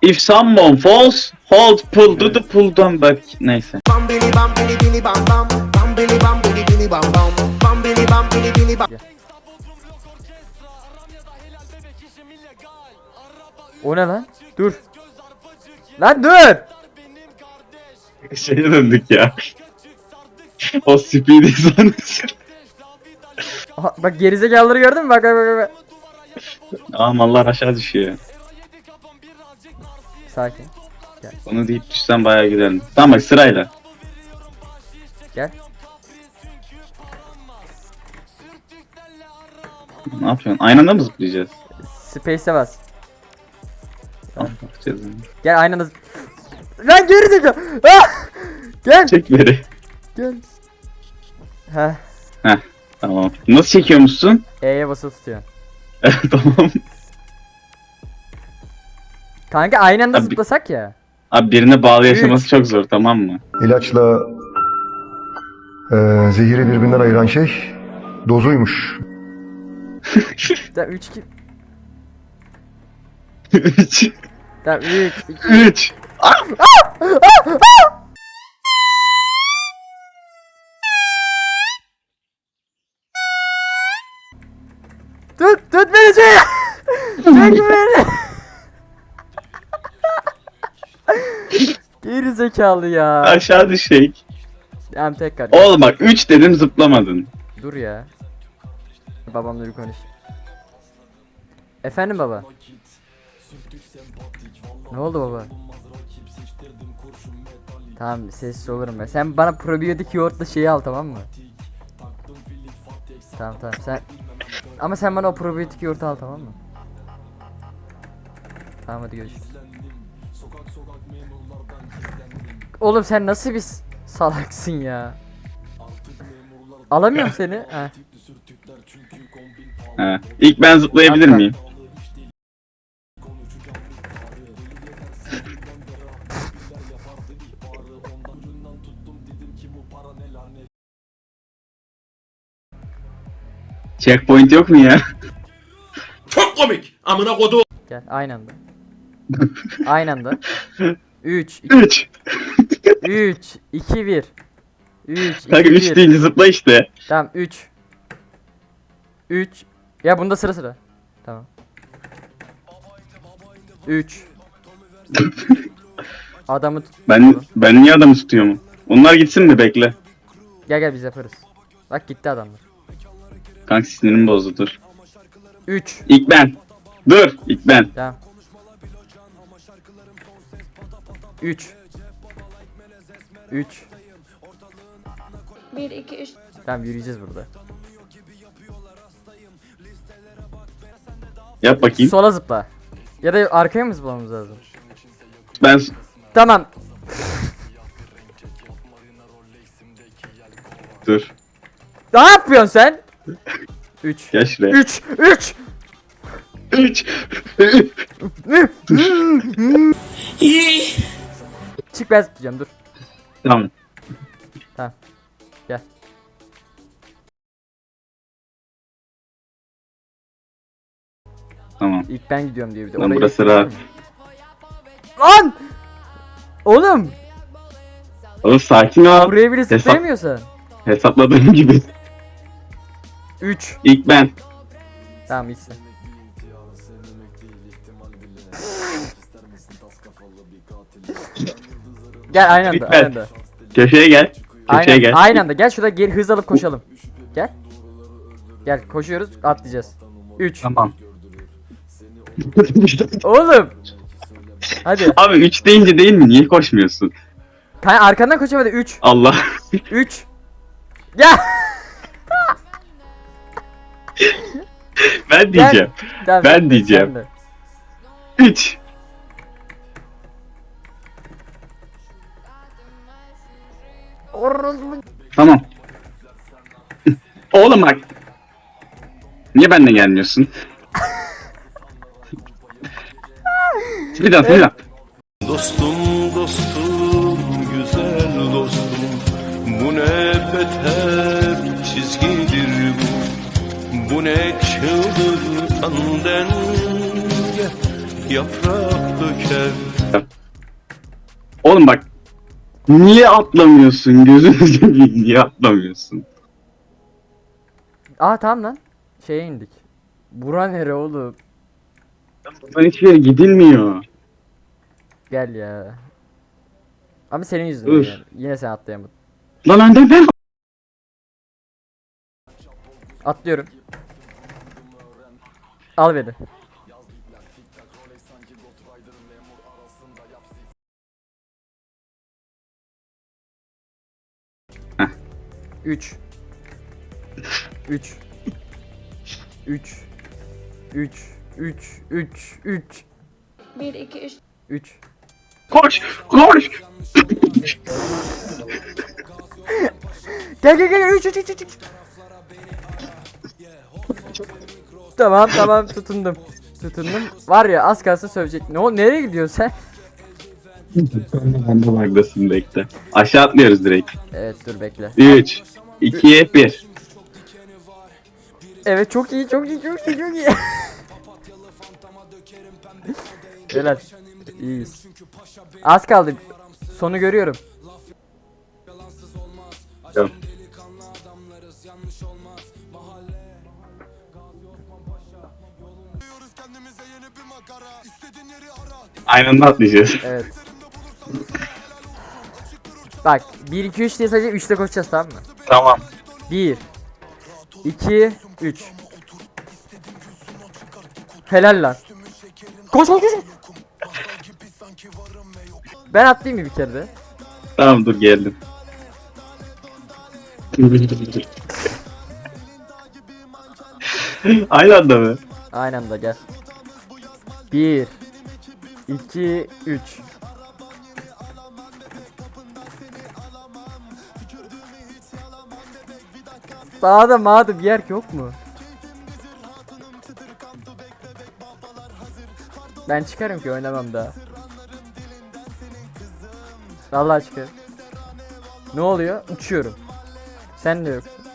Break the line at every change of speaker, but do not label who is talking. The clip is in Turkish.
If someone falls, hold, pull, do the pull, don't back. Neyse.
O ne lan? Dur. Lan dur.
Şeye döndük ya. O speedy sahnesi.
Aha, bak gerizekalıları gördün mü? Bak.
Aa mallar aşağı düşüyor.
Sakin.
Onu deyip düşsen bayağı gidelim. Tamam bak sırayla.
Gel.
Ne yapıyorsun? Aynı anda mı zıplayacağız?
Space'e bas.
Tamam bakacağız.
Gel aynı anda Lan gerizekalı. Ah! Gel.
Çek beri.
Gel. Heh.
Tamam. Nasıl çekiyormuşsun?
E'ye basılı tutuyor.
Tamam.
Kanka aynı anda
Abi-
zıplasak ya.
Abi birine bağlı yaşaması çok zor tamam mı?
İlaçla zehiri birbirinden ayıran şey dozuymuş.
3 2
3
Tamam 3 2
3
Tut beni çek. Çek beni. Geri zekalı ya.
Aşağı düşecek.
Tamam tekrar.
Oğlum bak 3 dedim zıplamadın.
Dur ya. Babamla bir konuş. Efendim baba. Ne oldu baba? Tamam sessiz olurum ben. Sen bana probiyotik yoğurtla şeyi al tamam mı? Tamam sen. Ama sen bana o probiyotik yoğurtu al tamam mı? Tamam hadi görüşürüz. Oğlum sen nasıl bir salaksın ya? Alamıyorum seni. Heh.
He. İlk ben zıplayabilir
Atla.
miyim? Checkpoint yok mu ya?
Çok komik. Amına kodu.
Gel aynı anda. Aynı anda. 3
3
3 2 1 3 2
Kanka 3
1
deyince zıpla işte.
Tamam 3 Ya bunda sıra. Tamam 3 Adamı tut.
Ben niye adamı tutuyorum? Onlar gitsin mi bekle.
Gel biz yaparız. Bak gitti adamlar.
Kanka sinirimi bozdu dur.
3
İlk ben. Dur ilk ben.
Tamam 3
1 2 3
Tamam yürüyeceğiz burada.
Yap bakayım.
Sola zıpla. Ya da arkaya mı zıplamamız lazım?
Ben
Tamam.
dur.
Ne yapıyorsun sen? 3
Gel şuraya.
3
3
Çık ben zıplayacağım dur.
Tamam.
Tamam. Gel.
Tamam.
İlk ben gidiyorum diye bir de.
Lan
Orayı
burası
yapayım
rahat.
mı? Lan! Oğlum!
Oğlum sakin ol.
Buraya bile zıplayamıyorsan.
Hesapladığım gibi.
3
İlk ben.
Tamam iyisin. Gel aynı anda,
Bitmez.
aynı anda.
Köşeye gel. Köşeye
Aynen,
gel.
aynı anda. Gel şurada geri hız alıp koşalım. Gel. Gel koşuyoruz, atlayacağız. 3
Tamam.
Oğlum. Hadi.
Abi 3 deyince değil mi? Niye koşmuyorsun?
Arkandan koşamadı. 3
Allah.
3 Gel.
Ben diyeceğim.
Tamam,
Ben
sen
diyeceğim.
de.
3 Tamam. Oğlum bak. Niye benimle gelmiyorsun? Bir daha.
Dostum dostum güzel dostum, bu ne beter çizgidir bu ne çıldırtan denge yaprak döker
Oğlum bak. Niye atlamıyorsun? Gözünü seveyim, niye atlamıyorsun?
Aa tamam lan. Şeye indik. Bura nere oğlum?
Buradan hiçbir yere gidilmiyor.
Gel ya. Ama senin yüzünden
Üf.
yani. Yine sen atlayamadın.
Lan önden ben.
Atlıyorum. Al beni.
Heh.
3 3 3 3 3 3 3
1, 2, 3.
3
Koş. Koş.
Gel gel gel 3 3 3 3 Tamam tamam tutundum. Tutundum. Var ya az kalsın sövecek. Ne o nereye gidiyorsun sen?
Ben de bagdasın bekle. Aşağı atlıyoruz direkt.
Evet dur bekle.
3, 2, 1.
Evet çok iyi çok iyi çok iyi çok iyi. Helal. İyiyiz. Az kaldı. Sonu görüyorum.
Tamam. Aynı anda atlayacağız.
Evet. Bak 1 2 3 diye sadece 3'te koşacağız tamam mı?
Tamam.
1 2 3 Helal lan. Koş koş koş. Ben atlayayım mı bir kere de?
Tamam dur geldim. Aynı anda mı?
Aynı anda gel. 1 2 3 Sağda mağda bir yer yok mu? Ben çıkarım ki oynamam daha. Vallahi çıkarım. Ne oluyor? Uçuyorum. Sen de yok.